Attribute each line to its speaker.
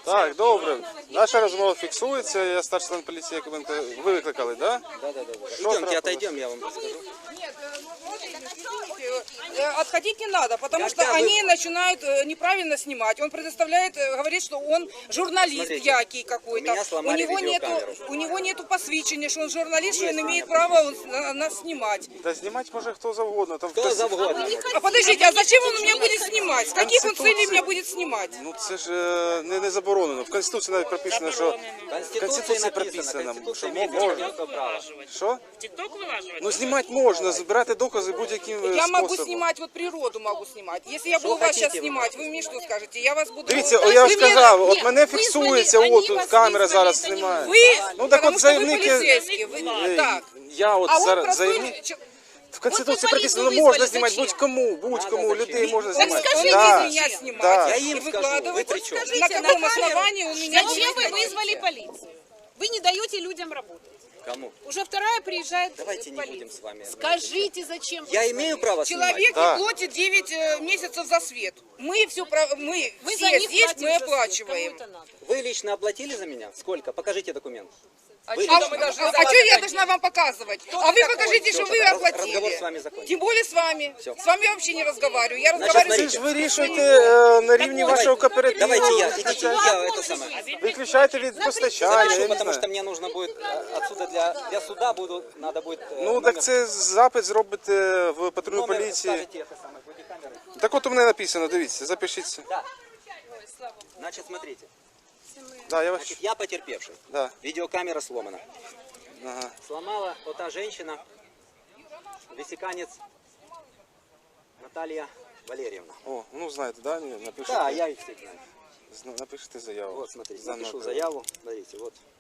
Speaker 1: Так, добре. Наша розмова фіксується. Я старший лейтенант поліції Якубенко. Ви викликали, так?
Speaker 2: Да. Идемте, отойдем, я вам расскажу.
Speaker 3: Нет, отходить не надо, потому что они начинают неправильно снимать. Он предоставляет, говорит, что он журналист
Speaker 2: Смотрите,
Speaker 3: який какой-то.
Speaker 2: у меня сломали видеокамеру.
Speaker 3: У него нету посвящения, что он журналист, что он имеет право нас снимать.
Speaker 1: Да знімати може хто завгодно. Там
Speaker 2: Кто завгодно.
Speaker 3: А подождите, а зачем он меня будет снимать? С каких он целей меня будет снимать?
Speaker 1: Ну це ж не заборонено. В Конституції навіть прописано, що
Speaker 2: В
Speaker 1: Конституції
Speaker 2: написано,
Speaker 1: написано, що
Speaker 2: Конституция имеет
Speaker 1: можна.
Speaker 2: авторское право.
Speaker 1: Що?
Speaker 4: В ТикТок вылаживать?
Speaker 1: Ну знімати можна, збирати докази будь-яким
Speaker 3: Я могу
Speaker 1: способом.
Speaker 3: снимать, вот природу могу снимать. Если я буду вас сейчас
Speaker 2: хотите вы?
Speaker 3: снимать, вы мне что скажете? Я вас буду...
Speaker 1: Дивіться,
Speaker 3: Вы
Speaker 1: я ж
Speaker 3: мне-
Speaker 1: сказав, от
Speaker 3: Нет,
Speaker 1: мене
Speaker 3: вызвали,
Speaker 1: фіксується,
Speaker 3: они
Speaker 1: от тут
Speaker 3: вас
Speaker 1: камера
Speaker 3: вызвали,
Speaker 1: зараз
Speaker 3: это не
Speaker 1: знімає.
Speaker 3: Вы,
Speaker 1: Ну так
Speaker 3: потому
Speaker 1: от
Speaker 3: что вы
Speaker 1: заявники,
Speaker 3: полицейские, вы- так.
Speaker 1: я от
Speaker 3: А он
Speaker 1: зараз
Speaker 3: простой...
Speaker 1: заявник. В Конституції
Speaker 3: Вот вы
Speaker 1: прописано,
Speaker 3: полицию
Speaker 1: можна
Speaker 3: вызвали,
Speaker 1: знімати
Speaker 3: зачем?
Speaker 1: будь-кому, людей можна
Speaker 3: Так
Speaker 1: знімати.
Speaker 3: скажите
Speaker 1: Да,
Speaker 3: меня снимать
Speaker 1: да.
Speaker 2: Я
Speaker 3: и
Speaker 2: им скажу,
Speaker 3: выкладывать.
Speaker 2: вы при чем?
Speaker 3: На каком основании у меня
Speaker 5: Зачем вы
Speaker 3: будет
Speaker 5: вызвали полицию? Вы не даете людям работать.
Speaker 2: Кому?
Speaker 5: Уже вторая приезжает
Speaker 2: Давайте не
Speaker 5: полиция.
Speaker 2: будем с вами.
Speaker 5: Скажите, зачем вы
Speaker 2: Я имею право снимать?
Speaker 3: Человек
Speaker 1: Да.
Speaker 3: не платит 9 месяцев за свет. Мы все, мы
Speaker 5: Вы
Speaker 3: все
Speaker 5: за них
Speaker 3: здесь,
Speaker 5: платите
Speaker 3: мы
Speaker 5: за свет.
Speaker 3: оплачиваем.
Speaker 5: Кому это надо?
Speaker 2: Вы лично оплатили за меня? Сколько? Покажите документ.
Speaker 3: А что я должна вам показывать? А вы покажите, что вы
Speaker 2: Разговор с
Speaker 3: оплатили.
Speaker 2: вами закончен.
Speaker 3: Тем более с вами.
Speaker 2: Всё.
Speaker 3: С вами я вообще не разговариваю. Я
Speaker 2: Значит,
Speaker 3: разговариваю
Speaker 1: Це
Speaker 3: с
Speaker 1: ж вирішуйте на рівні вашого кооперативу.
Speaker 2: Давайте я, идите, я это самое.
Speaker 1: Виключайте від постачання, я
Speaker 2: Запишу,
Speaker 1: не
Speaker 2: потому что
Speaker 1: знаю.
Speaker 2: мне нужно будет отсюда для суда надо будет.
Speaker 1: Ну так це запит зробите в патрульну
Speaker 2: номер
Speaker 1: поліції.
Speaker 2: скажете это самое, бодикамеры.
Speaker 1: Так от у мене написано, дивіться, запишіться.
Speaker 2: Да. Значит, смотрите.
Speaker 1: Да, я вас...
Speaker 2: Значит, я потерпевший.
Speaker 1: Да.
Speaker 2: Видеокамера сломана.
Speaker 1: Ага.
Speaker 2: Сломала вот та женщина, весеканец Наталья Валерьевна.
Speaker 1: О, ну знаєте, да? Ні, напишите.
Speaker 2: Да, я их всех знаю.
Speaker 1: Напишите заяву.
Speaker 2: Вот, смотрите,
Speaker 1: За
Speaker 2: напишу
Speaker 1: номером.
Speaker 2: заяву. Смотрите, вот.